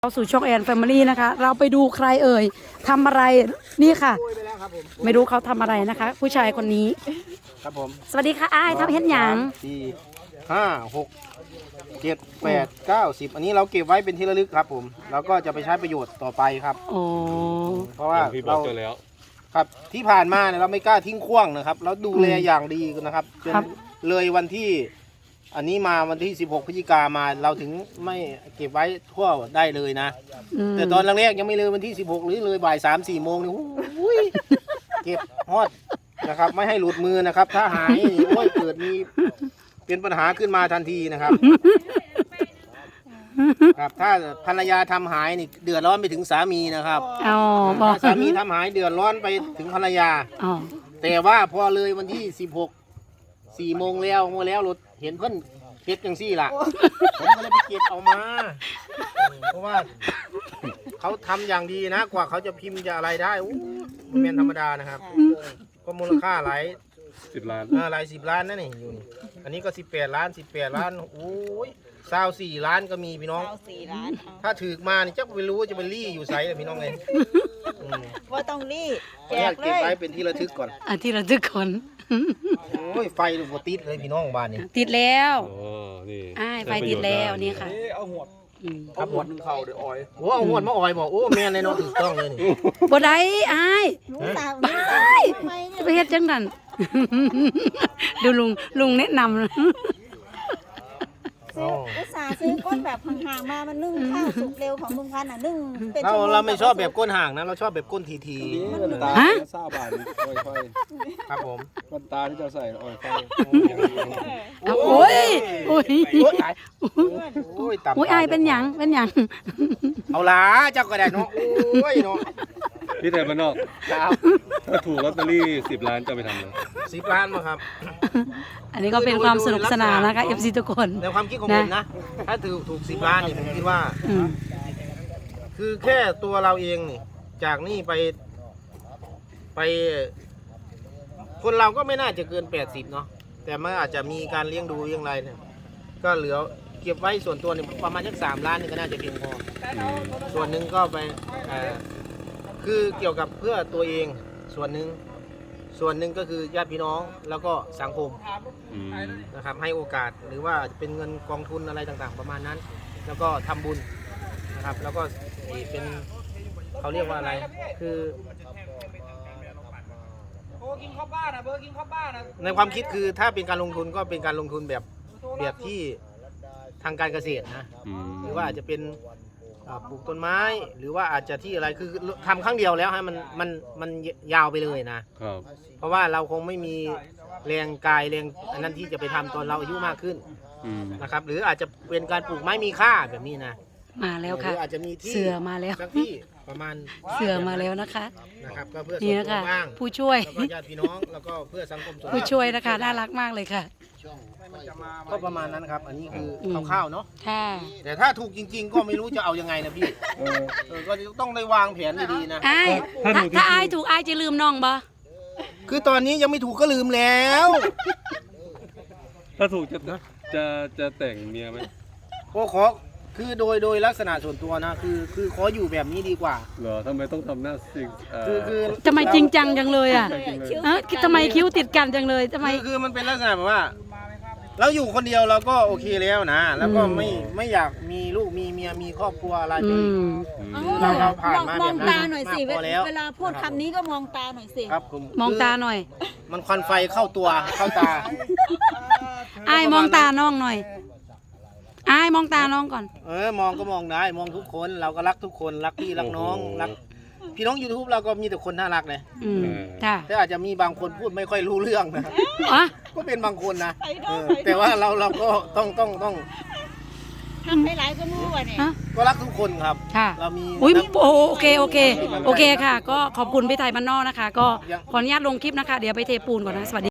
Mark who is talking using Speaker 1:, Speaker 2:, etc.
Speaker 1: เราสู่ช่องแอนแฟมิลี่นะคะเราไปดูใครเอ่ยทำอะไรนี่ค่ะไม่รู้เขาทำอะไรนะคะ ผู้ชายคนนี้
Speaker 2: ครับผม
Speaker 1: สวัสดีค่ะอ้ายทำเฮ็ดหยัง
Speaker 2: 4 5 6 7 8 9 10อันนี้เราเก็บไว้เป็นที่ระลึกครับผมแล้วก็จะไปใช้ประโยชน์ต่อไปครับ
Speaker 1: โอ้
Speaker 2: เพราะว่าเราครับที่ผ่านมาเนี่ยเราไม่กล้าทิ้งขว้างนะครับเราดูแลอย่างดีนะครับจนเลยวันที่อันนี้มาวันที่16พฤศจิกามาเราถึงไม่เก็บไว้ทั่วได้เลยนะแต่ตอนแรกๆยังไม่เลยวันที่16หรือเลยบ่าย3-4 โมงนี่เก็บฮอดนะครับไม่ให้หลุดมือนะครับถ้าหายโอ้ยเกิดมีเป็นปัญหาขึ้นมาทันทีนะครับครับถ้าภรรยาทำหายนี่เดือดร้อนไปถึงสามีนะครับถ้าสามีทำหายเดือดร้อนไปถึงภรรยาแต่ว่าพอเลยวันที่16 4 โมงแล้วรถเห็นเพิ่นเก็บจังซี่ล่ะผมก็เลยไปเก็บเอามาเพราะว่าเขาทำอย่างดีนะกว่าเขาจะพิมพ์จะอะไรได้มันเป็นธรรมดานะครับก็มูลค่าหลาย10 ล้านหลาย10 ล้านนั่นนี่อยู่นี่อันนี้ก็18 ล้านโอ้ย24 ล้านก็มีพี่น้อง
Speaker 3: 24 ล้าน
Speaker 2: ถ้าถือมานี่จะไม่รู้ว่าจะไปรี่อยู่ไซส์เลยพี่น้องเลย
Speaker 3: ว่าต้องรี่
Speaker 2: แจกเลยเก็บไว้เป็นที่ระทึกก่อน
Speaker 1: ที่ระทึกก่อน
Speaker 2: โอ้ยไฟลูกติดเลยพี่น้องบ้านนี่
Speaker 1: ติดแล้ว
Speaker 4: นี่
Speaker 1: ไฟติดแล้วนี่ค่ะ
Speaker 4: เอาหวด
Speaker 2: 1เข่าเดี๋ยวออยโอ้เอาหวดมาออยบอกโอ้แม่ในน้องถูกต้องเลยนี่
Speaker 1: บ่ได้อ้ายไปเฮ็ดจังนั้นดูลุงแนะนำ
Speaker 3: อุตส่าห์ซื้อก้นแบบห่างๆมามันนึ่งข้าวสุกเร็วของลุงพันธุ์นึ่งเป็น
Speaker 2: เราไม่ชอบแบบก้นห่างนะเราชอบแบบก้นที
Speaker 4: ฮะซาบานค่อย
Speaker 2: ครับผม
Speaker 4: ก้นตาที่จะใส่ออยไฟ
Speaker 1: โอ้ย
Speaker 2: อ
Speaker 1: ายเป็นหยัง
Speaker 2: เอาล่ะเจ้าก็ได้เนาะโอ้ยเนาะ
Speaker 4: พี่แทนบ้านนอกถ้าถูกลอตเตอรี่10 ล้านจะไปทำเลย
Speaker 2: 10 ล้านมาครับ
Speaker 1: อันนี้ก็เป็นความสนุกสนานนะคะ FC ทุกคน
Speaker 2: ในความคิดของผมนะถ้าถูก10 ล้านนี่ผมคิดว่าคือแค่ตัวเราเองนี่จากนี่ไปคนเราก็ไม่น่าจะเกิน80เนาะแต่มันอาจจะมีการเลี้ยงดูอย่างไรเนี่ยก็เหลือเก็บไว้ส่วนตัวนี่ประมาณสัก3 ล้านนี่ก็น่าจะเพียงพอส่วนหนึ่งก็ไปคือเกี่ยวกับเพื่อตัวเองส่วนหนึ่งก็คือญาติพี่น้องแล้วก็สังคมนะครับให้โอกาสหรือว่าเป็นเงินกองทุนอะไรต่างๆประมาณนั้นแล้วก็ทำบุญนะครับแล้วก็เป็นเขาเรียกว่าอะไรคือในความคิดคือถ้าเป็นการลงทุนก็เป็นการลงทุนแบบที่ทางการเกษตรนะหรือว่าอาจจะเป็นปลูกต้นไม้หรือว่าอาจจะที่อะไรคือทำครั้งเดียวแล้วให้มันยาวไปเลยนะเพราะว่าเราคงไม่มีแรงกายแรงอันนั้นที่จะไปทำตอนเราอายุมากขึ้นนะครับหรืออาจจะเป็นการปลูกไม้มีค่าแบบนี้นะ
Speaker 1: มาแล้วค่ะ
Speaker 2: อาจจะมีที่
Speaker 1: เสือมาแล้ว
Speaker 2: สักที่ประมาณ
Speaker 1: เสือมาแล้วนะคะ
Speaker 2: นะครับก็เพื่อ
Speaker 1: นี่นะคะผู้ช่วย
Speaker 2: แล้วก็ญาติพี่น้องแล้วก็เพื่อสังคม
Speaker 1: ผู้ช่วยนะคะน่ารักมากเลยค่ะ
Speaker 2: ก็ประมาณนั้นครับอันนี้คือคร่าวๆเนาะ
Speaker 1: ค่ะ
Speaker 2: แต่ถ้าถูกจริงๆก็ไม่รู้จะเอายังไงนะพี่ก็ต้องได้วางแผนดีๆนะ
Speaker 1: ถ้าอายถูกอายจะลืมน้องบ่
Speaker 2: คือตอนนี้ยังไม่ถูกก็ลืมแล้ว
Speaker 4: ถ้าถูกจะแต่งเมียไหม
Speaker 2: ก็ขอคือโดยลักษณะส่วนตัวนะคือขออยู่แบบนี้ดีกว่า
Speaker 4: เหรอทำไมต้องทำหน้าซิง
Speaker 1: คือทำไมจริงจังจังเลยอ่ะทำไมคิ้วติดกันจังเลยทำไม
Speaker 2: คือมันเป็นลักษณะแบบว่าเราอยู่คนเดียวเราก็โอเคแล้วนะแล้วก็ไม่อยากมีลูกมีเมียมีครอบครัวอะไรไปเราผ่านมาแบบนั้น
Speaker 3: มองตาหน่อยสิเวลาพูดคำนี้ก็มองตาหน่อยสิ
Speaker 2: ครับ
Speaker 1: มองตาหน่อย
Speaker 2: มันควันไฟเข้าตัวเข้าตา
Speaker 1: อ้ายมองตาน้องหน่อยอ้ายมองตาน้องก่อน
Speaker 2: มองก็มองได้มองทุกคนเราก็รักทุกคนรักพี่รักน้องรักพี่น้อง YouTube เราก็มีแต่คนน่ารักเลยแต่อาจจะมีบางคนพูดไม่ค่อยรู้เรื่องนะก็เป็นบางคนนะแต่ว่าเราก็ต้อง
Speaker 3: ทำให้หลายก็รู้ว่าเนี่ย
Speaker 2: ก็รักทุกคนครับ
Speaker 1: เรามีโอเคค่ะก็ขอบคุณพี่ไทยบ้านนอกนะคะก็ขออนุญาตลงคลิปนะคะเดี๋ยวไปเทปูนก่อนนะสวัสดี